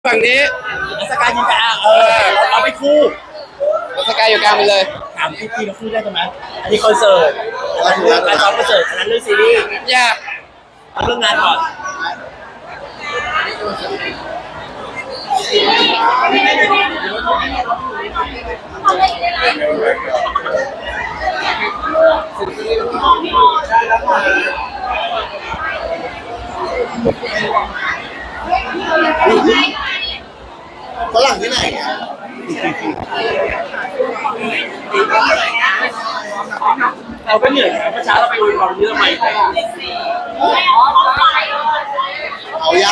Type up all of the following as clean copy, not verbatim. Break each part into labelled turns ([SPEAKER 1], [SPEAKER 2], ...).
[SPEAKER 1] ฝั่งนี้
[SPEAKER 2] สกายยิงกันเราไปคู่
[SPEAKER 1] สกายอยู่กลางไปเลย
[SPEAKER 2] ถามพี่เราคู่ได้ใช่ไหมอันนี้คอนเสิร์ตการซ้อมคอนเสิร์ตอันนั้นเรื่องซีรีส์
[SPEAKER 1] อย่า
[SPEAKER 2] เอาเรื่องงานก่อน
[SPEAKER 3] ฝรั่งที่ไหนอ่ะ
[SPEAKER 2] เราก็เหนื่อยนะเมื่อเช้าเราไปอวยพรนี้ทำไม
[SPEAKER 3] เอายัง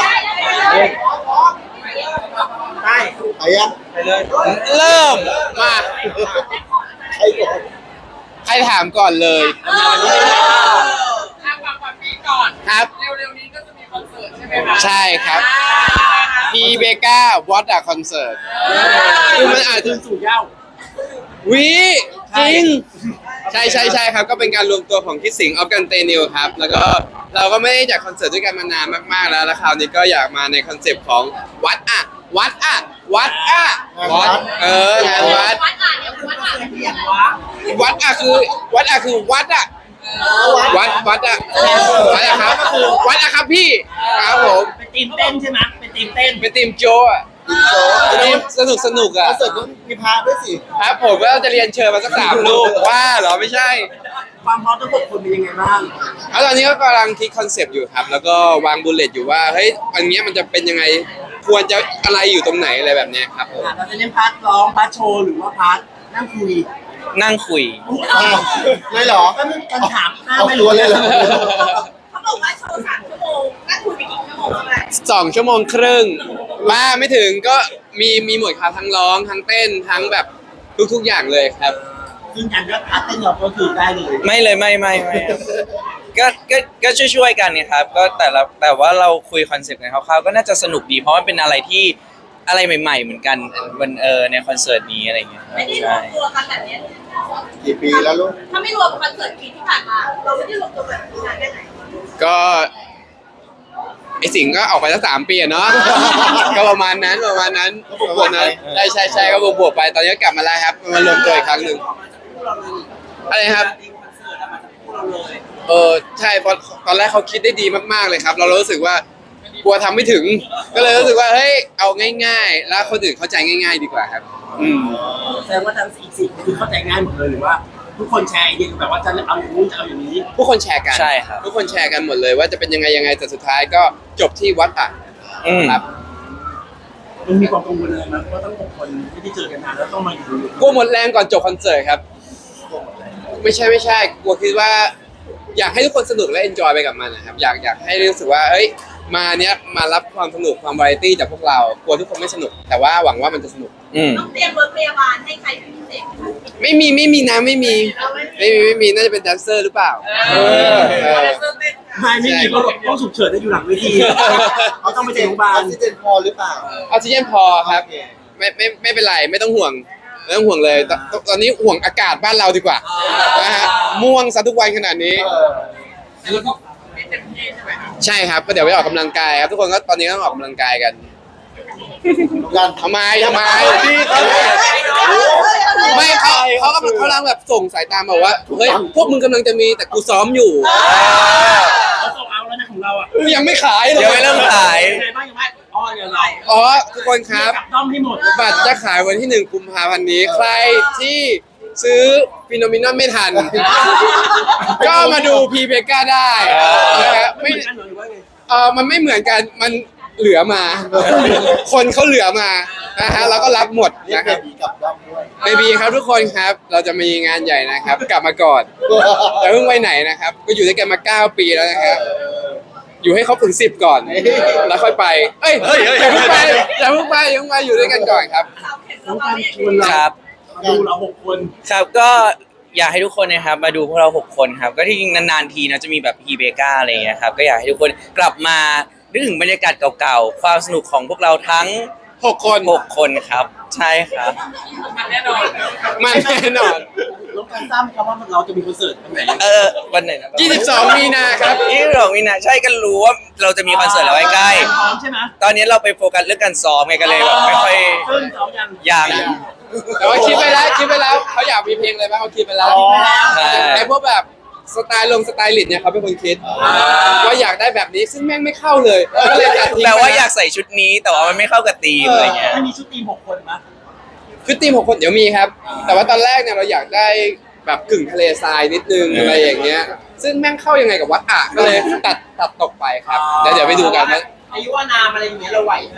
[SPEAKER 2] ใช่
[SPEAKER 3] เอายัง
[SPEAKER 2] ไปเลย
[SPEAKER 1] เริ่มมา
[SPEAKER 3] ใครก่อน
[SPEAKER 1] ใครถามก่อนเลยครับเร็วๆนี้ก็จะมีคอนเสิร์ตใช่ไหมครับใช่ครับพีเบก้าวอตอะคอนเสิร์ตคือมันอาจจะ
[SPEAKER 2] สู่เย้า
[SPEAKER 1] วิจริงใช่ครับก็เป็นการรวมตัวของคิดสิงออฟกันเตนิวครับแล้วก็เราก็ไม่ได้จัดคอนเสิร์ตด้วยกันมานานมากๆแล้วคราวนี้ก็อยากมาในคอนเซปต์ของวัดอะงานวัดวัดอะคือวัดอะครับพี่ครับผม
[SPEAKER 2] เป็นทีมเต้นใช่ไหมเป็นทีมเต้น
[SPEAKER 1] เป็นทีมโจอะทีมสนุกอะ
[SPEAKER 3] คอนเสิร์ตต้องมีพาด้วยสิ
[SPEAKER 1] ครับผมก็จะเรียนเชิญมาสัก3 ลูกว่าเหรอไม่ใช่
[SPEAKER 2] ความพร้อมทั้ง6 คนเป็นยังไงบ้าง
[SPEAKER 1] แล้วตอนนี้ก็กำลังคิดคอนเซปต์อยู่ครับแล้วก็วางบุลเลตอยู่ว่าเฮ้ยอันนี้มันจะเป็นยังไงควรจะอะไรอยู่ตรงไหนอะไรแบบนี้ครับผม
[SPEAKER 2] เราจะเล่นพาร์ทร้องพาร์ทโชว์หรือว่าพาร์ทนั่งคุย
[SPEAKER 3] เลยเหรอ
[SPEAKER 2] กันถาม
[SPEAKER 3] ไม่รู้เลยเหรอ
[SPEAKER 4] เขาบอกว่าโชว์3 ชั่วโมงนั่งคุยไปกี่ชั่วโมงอะไร
[SPEAKER 1] 2 ชั่วโมงครึ่งมาไม่ถึงก็มีหมดครับทั้งร้องทั้งเต้นทั้งแบบทุกอย่างเลยครับ
[SPEAKER 2] ซึ่งกันก็พาร์ทเต้นเราก็คือได้เลย
[SPEAKER 5] ไม่เลยไม่ก็ช่วยกันเนี่ยครับก็แต่ว่าเราคุยคอนเซ็ปต์กันคร่าวๆก็น่าจะสนุกดีเพราะมันเป็นอะไรที่อะไรใหม่ๆเหมือนกันวันในคอนเสิร์ตนี้อะไรอย่างเงี้ย
[SPEAKER 4] ไม่ได้รวมตัวกันแบบนี้
[SPEAKER 3] กี่ปีแล้วลูก
[SPEAKER 4] ถ้าไม่รวมคอนเสิร์ตปีที่ผ่านมาเราไม่ได้รวมตัวแบบนานแค่ไหน
[SPEAKER 1] ก็ไอสิงก็ออกไปตั้ง3 ปีเนาะก็ประมาณนั้นใช่ก็บวกไปตอนนี้กลับมาแล้วครับมารวมตัวอีกครั้งหนึ่งอะไรครับใช่เพราะตอนแรกเขาคิดได้ดีมากๆเลยครับเรารู้สึกว่ากลัวทำไม่ถึงก็เลยรู้สึกว่าเฮ้ยเอาง่ายๆแล้วคนอื่นเข้าใจง่ายๆดีกว่าครับ
[SPEAKER 2] แสดงว่าทั้ง4 คนคือเข้าใจง่ายหมดเลยหรือว่าทุกคนแชร์ไอเดียแบบว่าจะเอาอย่างนู้นจะเอาอย่างนี้
[SPEAKER 1] ทุกคนแชร์กัน
[SPEAKER 5] ใช่ครับ
[SPEAKER 1] ทุกคนแชร์กันหมดเลยว่าจะเป็นยังไงแต่สุดท้ายก็จบที่วัดอ่ะครับ
[SPEAKER 2] มันมีความกังวลอะไรไหมเพราะทั้ง6 คนไม่ได้เจอกันนานแล้วต้องมาอยู่
[SPEAKER 1] กลัวหมดแรงก่อนจบคอนเสิร์ตครับไม่ใช่กลัวคิดว่าอยากให้ทุกคนสนุกและเอนจอยไปกับมันนะครับอยากให้รู้สึกว่าเฮ้ยมารับความสนุกความวาไรตี้จากพวกเรากลัวทุกคนไม่สนุกแต่ว่าหวังว่ามันจะสนุก
[SPEAKER 4] ต้องเตรียมรถพยาบาลให้ใครเป็นพิเศษ
[SPEAKER 1] ไม่มีนะไม่มีน่าจะเป็นแดนเซอร์หรือเปล่า
[SPEAKER 2] ไม่มีก็ต้องฉุกเฉินได้อยู่หลังเวทีเขาต้องไปโรงพยาบาล
[SPEAKER 3] ออกซิเจนพอหรือเปล่า
[SPEAKER 1] ออกซิเจนพอครับไม่เป็นไรไม่ต้องห่วงเลยตอนนี้ห่วงอากาศบ้านเราดีกว่านะฮะม่วงซะทุกวันขนาดนี้ใช่ครับก็เดี๋ยวไปออกกำลังกายครับทุกคนก็ตอนนี้ต้องออกกำลังกายกันทำไมไม่เขากำลังแบบส่งสายตาบอกว่าเฮ้ยพวกมึงกำลังจะมีแต่กูซ้อมอยู่
[SPEAKER 2] เขาส่งเอาแล้วนะของเราอ่ะ
[SPEAKER 1] ยังไม่ขายเลย
[SPEAKER 5] ยังไม่เริ่มขาย
[SPEAKER 1] ทุกคนครับบัตรจะขายวันที่1 กุมภาพันธ์นี้ใครที่ซื้อฟิโนมินอนไม่ทันก็มาดูพีเบก้าได้นะครับมันไม่เหมือนกันมันเหลือมาคนเขาเหลือมานะฮะเราก็รับหมดนะครับเบบีครับทุกคนครับเราจะมีงานใหญ่นะครับกลับมาก่อนแต่เพิ่งไปไหนนะครับก็อยู่ด้วยกันมา9 ปีแล้วนะครับอยู่ให้เขาถึง10ก่อนแล้วค่อยไปอย่าเพิ่งไปอยู่ด้วยกันก่อนครับ
[SPEAKER 2] ครับดูเรา6 คน
[SPEAKER 5] ครับก็อยากให้ทุกคนนะครับมาดูพวกเรา6 คนครับก็ที่จริงนานๆทีนะจะมีแบบพีเบก้าอะไรอย่างเงี้ยครับก็อยากให้ทุกคนกลับมานึกถึงบรรยากาศเก่าๆความสนุกของพวกเราทั้ง
[SPEAKER 1] 6 คน
[SPEAKER 5] ครับใช่ครับ
[SPEAKER 1] มันแน่นอน
[SPEAKER 2] ลบการทราบไหมครับว่าเราจะมีคอนเสิร์ตวันไหน
[SPEAKER 5] วันไหนนะ
[SPEAKER 1] 22 มีนาครับ
[SPEAKER 5] 22 มีนาใช่กันรู้ว่าเราจะมีคอนเสิร์ตแล้วใกล้
[SPEAKER 2] พร้อมใช่ไหม
[SPEAKER 5] ๆตอนนี้เราไปโฟกัสเรื่องการซ้อมไงกันเลยแบบไม่ค่อย
[SPEAKER 2] ซึ่งซ้อมยัง
[SPEAKER 5] ยัง
[SPEAKER 1] แต่ว่าคิดไปแล้วเขาอยากมีเพลงอะไรบ้างเขาคิดไปแล้ว
[SPEAKER 5] ใช่
[SPEAKER 1] ไอ้พวกแบบสไตล์สไตลิสต์เนี่ยเขาเป็นคนคิดว่าอยากได้แบบนี้ซึ่งแม่งไม่เข้าเลยก็เลยตัดทิ้ง
[SPEAKER 5] แต่ว่าอยากใส่ชุดนี้แต่ว่ามันไม่เข้ากับธีมอะไรเงี้ย
[SPEAKER 2] ถ้ามีชุดทีม6 คนมั้ย
[SPEAKER 1] คือทีม6 คนเดี๋ยวมีครับ แต่ว่าตอนแรกเนี่ยเราอยากได้แบบกึ่งทะเลทรายนิดนึงอะไรอย่างเงี้ยซึ่งแม่งเข้ายังไงกับวัดอ่ะก็เลยตัดตกไปครับเดี๋ยวไปดูกันนะ
[SPEAKER 2] อายุว่านามอะไรอย่างเงี้ยเราไหวนะ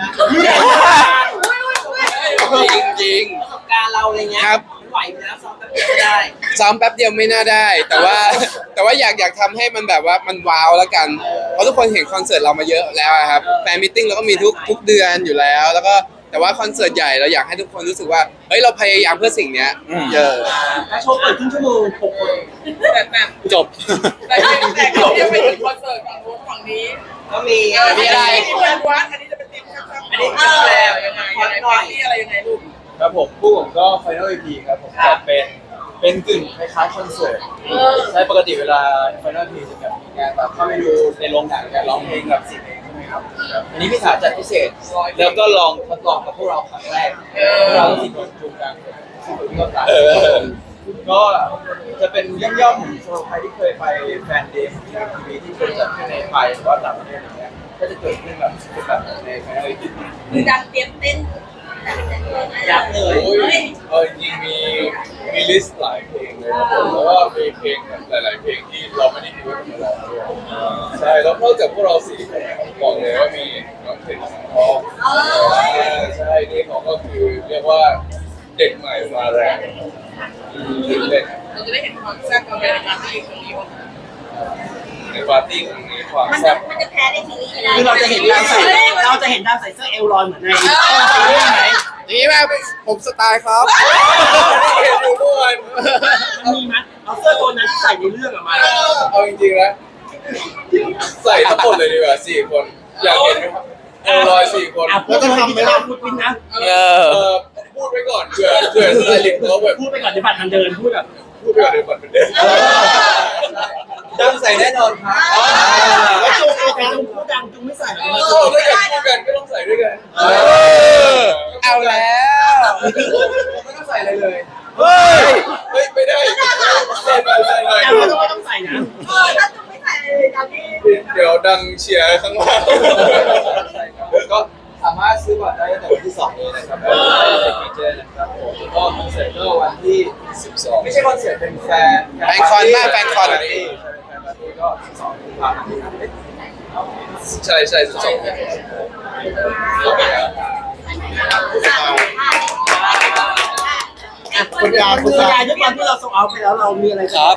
[SPEAKER 1] จริง
[SPEAKER 2] ประสบการณ์เราอะไรเงี้ย
[SPEAKER 1] ครับ
[SPEAKER 2] ไหวอยู่แล้วซ้อมแป๊บเดียวก็ได้
[SPEAKER 1] ซ้อมแป๊บเดียวไม่น่าได้ แต่ว่าอยากทำให้มันแบบว่ามันว้าวแล้วกันเพราะทุกคนเห็นคอนเสิร์ตเรามาเยอะแล้วอะครับแฟนมิทติ้งเราก็มีทุกเดือนอยู่แล้วแล้วก็แต่ว่าคอนเสิร์ตใหญ่เราอยากให้ทุกคนรู้สึกว่าเฮ้ยเราพยายามเพื่อสิ่งเนี้ยเยอะ
[SPEAKER 2] แล้วโชว์เปิดครึ่งชั่วโมง6 คน
[SPEAKER 1] จบ
[SPEAKER 4] แต่เขาจะไปถึงคอนเสิร์ตฝั่งโน้นฝั่งนี้
[SPEAKER 2] ก็มี
[SPEAKER 1] มีอะไร
[SPEAKER 4] เพื่อนวัดอันนี้จะเป็นทีมครับอันนี้คือแล้วยังไงนี่อะไรยังไงลูก
[SPEAKER 6] ครับผมผู้ผมก็ Final EP ครับผมจะเป็นกึ่งคล้ายๆคอนเสิร์ตใช่ปกติเวลา Final EP จะแบบมีงานแบบเข้าไปดูในโรงหนังการร้องเพลงแบบ4 เพลงใช่ไหมครับอันนี้พี่ถาจัดพิเศษแล้วก็ลองทดลองกับพวกเราครั้งแรกเราสิบคนจูงกันก็ตายก็จะเป็นย่อมๆสำหรับใครที่เคยไปแฟนเดย์ที่ทีวีที่เคยจัดขึ้นในไทยหรือว่าต่างประเทศอย่างเงี้ยก็จะเกิดขึ้นแบบเป็นแบบใน Final EP
[SPEAKER 4] คือดังเตรียมเต้น
[SPEAKER 2] ยับเลย
[SPEAKER 6] โอ้ยจริงๆมีลิสต์หลายเพลงเลยครับผมแล้วก็มีเพลงแบบหลายๆเพลงที่เราไม่ได้คิดว่าจะร้องด้วยใช่แล้วนอกจากพวกเราสี่คนบอกเลยว่ามีน้องเพลงสังทองใช่นี่เขาก็คือเรียกว่าเด็กใหม่มาแรงเล่น
[SPEAKER 4] เราจะได้เห็นความแซ่บความเป็นการที่คนนี้
[SPEAKER 6] ในปาร์ตี้ครั้งนี้ความ
[SPEAKER 4] มัน
[SPEAKER 6] แซ่บ
[SPEAKER 4] จะแพ้ในทีนี้ไม่ได้
[SPEAKER 2] คือเราจะเห็นดาวใส่เสื้อเอลลอยเหมือนในซีรีส์ไหม
[SPEAKER 1] อย่างนี้แม่ผมสไตล์ครับ
[SPEAKER 6] เห็นอยู่ทุกวัน
[SPEAKER 2] มันมีมั้ยเอาเสื้อตัวนั้นใส่ในเรื่องออกมา
[SPEAKER 6] เอาจริงๆนะใส่ทั้งหมดเลยดีกว่า4 คนอยากเห็นไหมครับ4 คน
[SPEAKER 2] แล้วจะทำไหมล่ะพูดปิ้นนะ
[SPEAKER 6] พูดไว้ก่อนเผื่อสไตลิสต์เขาแบบ
[SPEAKER 2] พูดไปก่อนเดี๋ยวบัตรมันเดินพูดแบบ
[SPEAKER 6] พูดไปก่อนเดี๋ยวก่อนเป็นเด็กดังใส่แน่นอนครับ
[SPEAKER 2] แล้วจุงพูดดังจุงไม่ใส่
[SPEAKER 6] ถ้าเกิดพูดกันก็ต้องใส่ด้วยกัน
[SPEAKER 1] เอาแล้ว
[SPEAKER 6] ไม่ต้องใส่อะไรเลย
[SPEAKER 1] เฮ้ย
[SPEAKER 6] ไม่ได้ใส่หน่อยใส่หน่อย
[SPEAKER 2] แต่ไม่ต้องใส่นะ
[SPEAKER 4] ถ้าจุ๊ไม่ใส่เลยตอนนี้
[SPEAKER 6] เดี๋ยวดังเชียร์ข้างล่างก็สามารถซื้อบัตรได้ตั้งแต่วันที่2นี้นะครับในเมเจอร์นะครับผมแล้วก็คอนเสิร์ตก็วันที่12ไม่ใช่คอนเสิร์ตเป็นแฟนคอนก็12กุมภาพันธ์ใช่12กุมภาพันธ์
[SPEAKER 3] คุณยา
[SPEAKER 2] คุณยายด้วยความที่เราส่งเอาไปแล้วเรามีอะไรครับ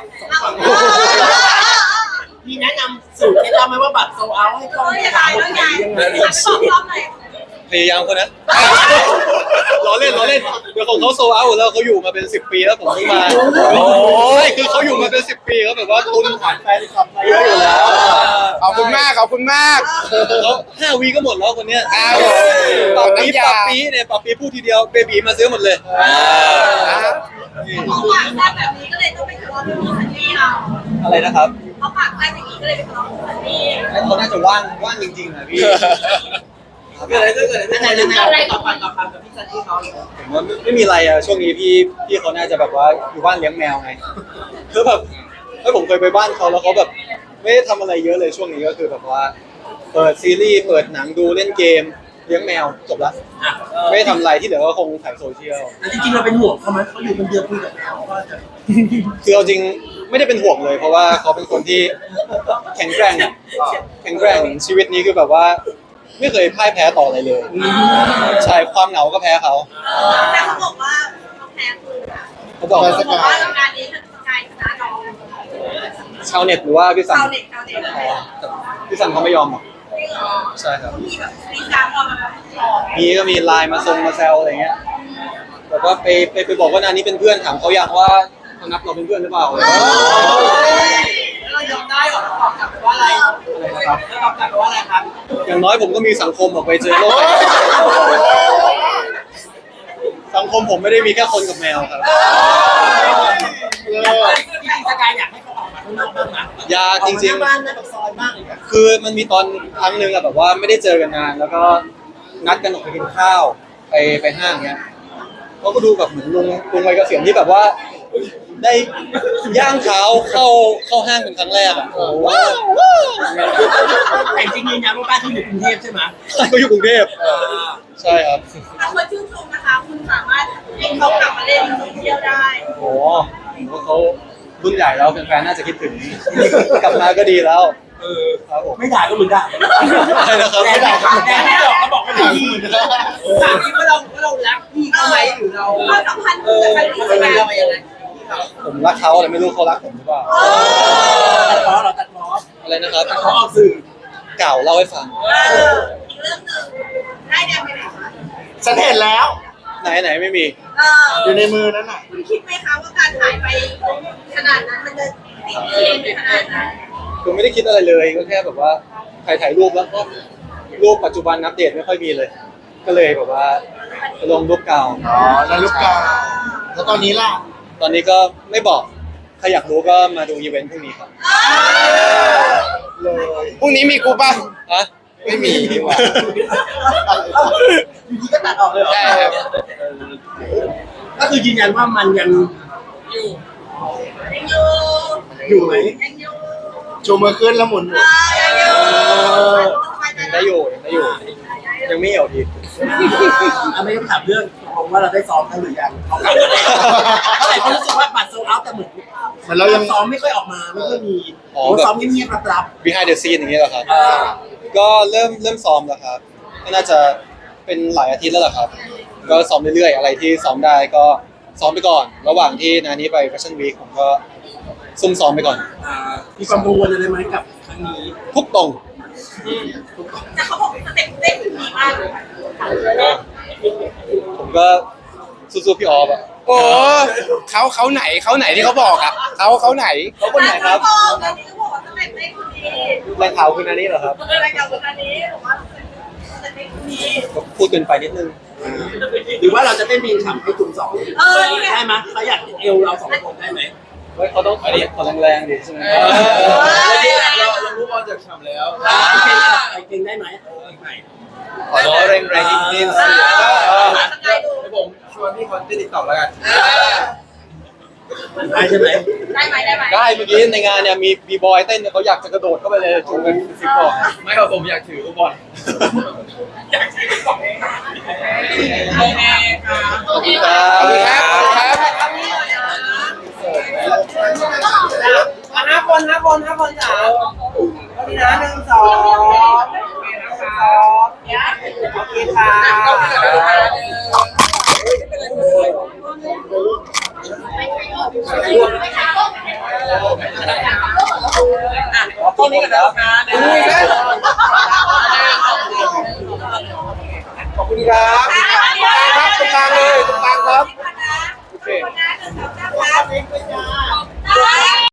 [SPEAKER 2] มีแนะนำสูตรเคล็ดลับไหมว่าบัตรโซเอาให้ต้อง
[SPEAKER 4] อย่าตายแล้วยายบอกซ้อมหน่อย
[SPEAKER 7] พยายามคนนั้น ล้อเล่นเดี๋ยวของเขาโซเอาแล้วเขาอยู่มาเป็น10 ปีแล้วผมเพิ่งมาโอ้ยคือเขาอยู่มาเป็น10 ปีเขาแบบว่าตุนฐานแฟนคลับมาเยอะอยู่แล้ว
[SPEAKER 1] ขอบคุณมาก
[SPEAKER 7] เขา5 วีก็หมดแล้วคนเนี้ย
[SPEAKER 1] อ้าว
[SPEAKER 7] ปาปีเนี่ยปาปีพูดทีเดียวเบบีมาซื้อหมดเลย
[SPEAKER 4] เขาปากแซ่บแบบนี้ก็เลยต้องไปทะเลาะกับพี่ซันนี่เรา
[SPEAKER 7] อะไรนะครับ
[SPEAKER 4] เขาปากแซ่บอย่างนี้ก็เลยไปทะเลาะกับซันนี่
[SPEAKER 7] เขาน่าจะว่างจริงๆนะพี่
[SPEAKER 2] เกิดอะไรขึ้นอะไรต่อไปกับพี่ซันนี่เขา
[SPEAKER 7] ผมว่าไม่มีอะไรอะช่วงนี้พี่เขาน่าจะแบบว่าอยู่บ้านเลี้ยงแมวไงคือแบบผมเคยไปบ้านเขาแล้วเขาแบบไม่ได้ทำอะไรเยอะเลยช่วงนี้ก็คือแบบว่าเปิดซีรีส์เปิดหนังดูเล่นเกมเลี้ยงแมวจบละไม่ได้ทำอะไรที่เหลือก็คงถ่ายโซเชียล
[SPEAKER 2] จริงๆเราเป็นห่วงเขาไหมเขาอยู่คนเดียวคุยกับแมวว่าจะ
[SPEAKER 7] คือเอาจริงไม่ได้เป็นห่วงเลย เพราะว่าเขาเป็นคนที่แข็งแกร่งชีวิตนี้คือแบบว่าไม่เคยพ่ายแพ้ต่ออะไรเลยใช่ความเหงาก็แพ้เขา
[SPEAKER 4] แต่เขาบอกว่าเขาแพ้คือ
[SPEAKER 7] เขาบอก
[SPEAKER 4] เขาบอกว่างานนี้สกายชนะน้อง
[SPEAKER 7] ชาวเน็ตหรือว่าพี่สัน
[SPEAKER 4] ชาวเน็ต
[SPEAKER 7] พี่สันเขาไม่ยอมหรอก
[SPEAKER 4] จริงเหรอ
[SPEAKER 7] ใช่ครับ
[SPEAKER 4] มีแบบมีการออกมาแบบ
[SPEAKER 7] ก็มีไลน์มาแซวอะไรเงี้ยแบบว่าไปบอกว่านานนี้เป็นเพื่อนถามเขาอยากว่าเขานับเราเป็นเพื่อนหรือเปล่า
[SPEAKER 2] เรายอมได้หรอเราตอบกลับไปว่าอะไรนะครับเราตอบกลับไปว่าอะไรครับ
[SPEAKER 7] อย่างน้อยผมก็มีสังคมออกไปเจอโลกสังคมผมไม่ได้มีแค่คนกับแมวครับ
[SPEAKER 3] เอ
[SPEAKER 2] จริงๆสกายอยากให้เขาออกมาข้างนอกบ้างนะ
[SPEAKER 7] อยากจริง
[SPEAKER 2] ออกมาหน้าบ้านหน้าปากซอยบ้างเลย
[SPEAKER 7] ๆ คือมันมีตอนครั้งหนึ่งอะแบบว่าไม่ได้เจอกันนานแล้วก็นัดกันออกไปกินข้าวไปห้างเงี้ยเขาก็ดูแบบเหมือนลุงวัยเกษียณที่แบบว่าได้ย่างเท้าเข้าห้างเป็นครั้งแรกอะโอ้ว้าว
[SPEAKER 2] แต่จริงๆยืนยันว่าบ้านที่อยู่กรุงเทพใช่ไหม
[SPEAKER 7] เขาอยู่กรุงเทพใช่ครับ
[SPEAKER 8] ถ้าคนชื่นชมนะคะคุณสามารถให้เขากลับมาเล่นเที่ยวได้
[SPEAKER 7] โอ้ผมว่าเขารุ่นใหญ่แล้วแฟนๆน่าจะคิดถึงกลับมาก็ดีแล้วครับผม
[SPEAKER 2] ไม่ด่าก็มึงด่า
[SPEAKER 7] ใช่นะครับ
[SPEAKER 2] แต่ด่าแต่ไม่หรอกก็บอกว่าด่าพี่
[SPEAKER 4] ถามคิดว่าเรารักพี่เขาไหมหรือเรา
[SPEAKER 8] ความสัมพันธ์คือกัน
[SPEAKER 4] เป็นเรายังไง
[SPEAKER 7] ผมรักเขาแต่ไม่รู้เขารักผมหรือเปล่า
[SPEAKER 2] ตัดล้อเหรอตัดล้อ
[SPEAKER 7] อะไรนะครับ
[SPEAKER 2] ตัดล้อออกสื่อ
[SPEAKER 7] เก่าเล่าให้ฟัง
[SPEAKER 8] อีกเรื่องหนึ่งได้แดงไปไหนคะ
[SPEAKER 3] ฉันเห็นแล้ว
[SPEAKER 7] ไหนไม่มี
[SPEAKER 3] อยู่ในมือนั่นน่ะ
[SPEAKER 8] คุณคิดไหมคะว่าการหายไปขนาดนั้นมันจะติดเทรนด์ขนาดนั้น
[SPEAKER 7] คือไม่ได้คิดอะไรเลยก็แค่แบบว่าถ่ายรูปแล้วก็รูปปัจจุบันอัปเดตไม่ค่อยมีเลย ก็เลยแบบว่าลงรูปเก่า
[SPEAKER 3] อ๋อนาฬิกาแล้วตอนนี้ล่ะ
[SPEAKER 7] ตอนนี้ก็ไม่บอกใครอยากรู้ก็มาดูอีเวนต์พรุ่งนี้ครับ
[SPEAKER 3] เลย
[SPEAKER 1] พรุ่งนี้มีกูป่ะ
[SPEAKER 7] ฮะ
[SPEAKER 1] ไม่มีดีกว่า
[SPEAKER 2] อยู่ดีก็ตัดออกเลยเหรอ
[SPEAKER 1] ใช่ครับ
[SPEAKER 2] ก็คือยืนยันว่ามันยัง
[SPEAKER 8] ยังอยู่
[SPEAKER 2] อยู่ไหม
[SPEAKER 8] ยังอยู่
[SPEAKER 3] ชูมือขึ้นแล้วหมุน
[SPEAKER 8] ยังอยู่
[SPEAKER 7] ยังได้อยู่ยังไม่เหี่ยวดี
[SPEAKER 2] ไม่ต้องถามเรื่องตกลงว่าเราได้ซ้อมกันหรือยังเขากลับมาแล้วเท่าไหร่เขารู้สึกว่าบัตรโซลเอาท์แต่เหมือน
[SPEAKER 3] เหมือนเรายัง
[SPEAKER 2] ซ้อมไม่ค่อยออกมาไม่ค่อยมีซ้อมเงียบๆรับ
[SPEAKER 7] behind the scene อย่างนี้เหรอครับ ก็เริ่มซ้อมแล้วครับ ก็น่าจะเป็นหลายอาทิตย์แล้วล่ะครับ ก็ซ้อมเรื่อยๆ อะไรที่ซ้อมได้ก็ซ้อมไปก่อน ระหว่างที่นานี้ไป Fashion Week ผมก็ซุ่มซ้อมไปก่อน
[SPEAKER 2] มีความกังวลอะไรไหมกับครั้งนี้
[SPEAKER 7] ทุกตรง
[SPEAKER 8] แต่เขาบอกสเต็ปเต้นดีมากเลย
[SPEAKER 7] ผมก็สู้ๆพี่ออฟอะ
[SPEAKER 1] โอ้เขาไหนที่เขาบอกอ่ะเขาไหน
[SPEAKER 7] เขาคนไหนครับ
[SPEAKER 8] ตอนนี้ก็บอกว่าสเต็ปเต้นดี
[SPEAKER 7] แรงข่าวคือนานี้เหรอครับ
[SPEAKER 8] อะไรกับคนนี้บอกว่าสเต็ปเต้นดี
[SPEAKER 7] ก็พูดเกินไปนิดนึง
[SPEAKER 2] หรือว่าเราจะเต้นเพลงฉ่ำให้กลุ่มสอง
[SPEAKER 8] นี่ไง
[SPEAKER 2] ได้ไหมเขาอยากเอวเราสองคนได้ไหม
[SPEAKER 7] เฮ้ยเขาต้องขอแรงๆดิใช่ไหม
[SPEAKER 6] เรารู้บอลจากฉ่ำแล้ว
[SPEAKER 2] เพลงได้ไหม
[SPEAKER 6] ขอแรงๆนิดๆ
[SPEAKER 8] สกายดู
[SPEAKER 6] ให้ผมชวนพี่คนที่ติดต่อแล้วกัน
[SPEAKER 2] ได้ใช่ไหม
[SPEAKER 8] ได้ไหมได้ไหม
[SPEAKER 7] ได้เมื่อกี้ในงานเนี่ยมีบีบอยเต้นเนี่ยเขาอยากจะกระโดดเข้าไปเลยจูงกันซิกบอก
[SPEAKER 6] ไม่ครับผมอยากถือลูกบอล
[SPEAKER 8] โอเคค่ะ
[SPEAKER 7] ขอบคุณครั
[SPEAKER 1] ขอบคุณครับขอบคุณครับ
[SPEAKER 4] ห้าคนจ๋าวันนี้นะ1 2โอเคค่ะต้นนี้กันแล้วค่ะ